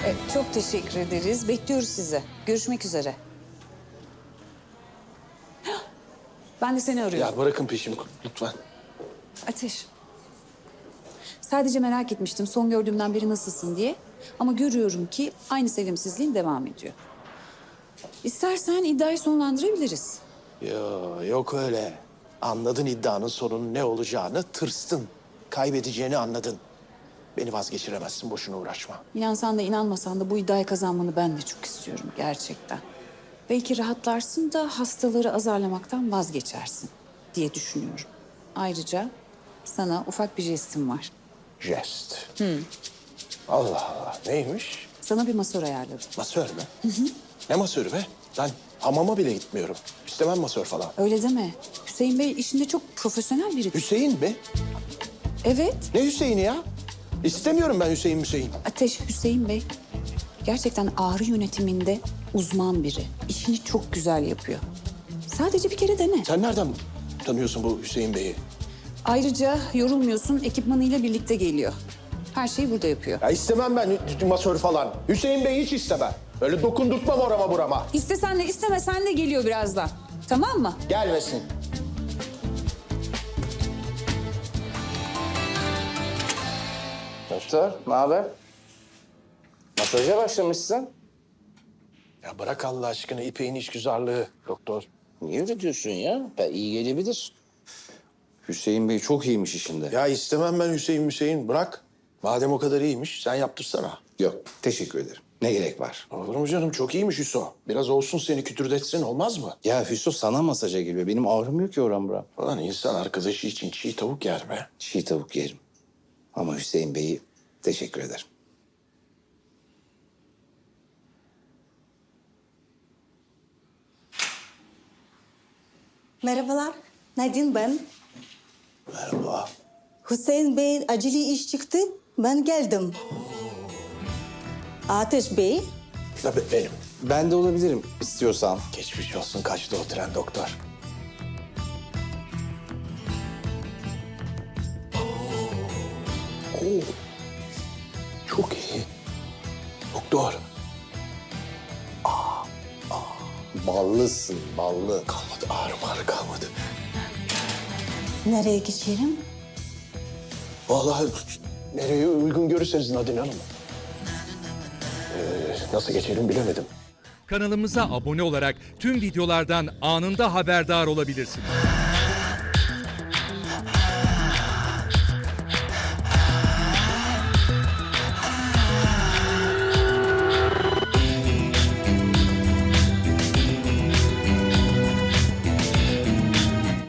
Çok teşekkür ederiz. Bekliyoruz sizi. Görüşmek üzere. Ben de seni arıyorum. Ya bırakın peşimi lütfen. Ateş. Sadece merak etmiştim son gördüğümden beri nasılsın diye. Ama görüyorum ki aynı sevimsizliğin devam ediyor. İstersen iddiayı sonlandırabiliriz. Yok öyle. Anladın iddianın sonunun ne olacağını, tırstın. Kaybedeceğini anladın. Beni vazgeçiremezsin, boşuna uğraşma. İnansan da inanmasan da bu iddiayı kazanmanı ben de çok istiyorum gerçekten. Belki rahatlarsın da hastaları azarlamaktan vazgeçersin diye düşünüyorum. Ayrıca sana ufak bir jestim var. Jest. Allah Allah, neymiş? Sana bir masör ayarladım. Masör mü? Ne masörü be? Ben hamama bile gitmiyorum. İstemem masör falan. Öyle deme. Hüseyin Bey işinde çok profesyonel biri. Hüseyin be? Evet. Ne Hüseyin'i ya? İstemiyorum ben Hüseyin. Ateş Hüseyin Bey gerçekten ağrı yönetiminde uzman biri. İşini çok güzel yapıyor. Sadece bir kere dene. Sen nereden tanıyorsun bu Hüseyin Bey'i? Ayrıca yorulmuyorsun, ekipmanıyla birlikte geliyor. Her şeyi burada yapıyor. Ya istemem ben masör falan. Hüseyin Bey'i hiç istemem. Öyle dokundurtmam orama burama. İstesen de istemesen de geliyor birazdan. Tamam mı? Gelmesin. Doktor, ne haber? Masaja başlamışsın. Ya bırak Allah aşkına İpek'in işgüzarlığı doktor. Niye öyle diyorsun ya? İyi gelebilir. Hüseyin Bey çok iyiymiş işinde. Ya istemem ben Hüseyin. Bırak. Madem o kadar iyiymiş sen yaptırsana. Yok, teşekkür ederim. Ne gerek var? Olur mu canım? Çok iyiymiş Hüso. Biraz olsun seni kütürdetsin olmaz mı? Ya Hüso sana masaja geliyor. Benim ağrımıyor ki oram buram. Ulan insan arkadaşı için çiğ tavuk yer be. Çiğ tavuk yerim. Ama Hüseyin Bey'i teşekkür ederim. Merhabalar, Nadine ben. Merhaba. Hüseyin Bey'in acili iş çıktı, ben geldim. Ateş Bey, Tabii benim. Ben de olabilirim istiyorsan. Geçmiş olsun kaçtı o tren doktor. Oo. Çok iyi. Doktor. Ballısın, ballı. Kalmadı ağrı kalmadı. nereye geçelim? Vallahi nereye uygun görürseniz Nadine Hanım. Nasıl geçelim bilemedim. Kanalımıza abone olarak tüm videolardan anında haberdar olabilirsiniz.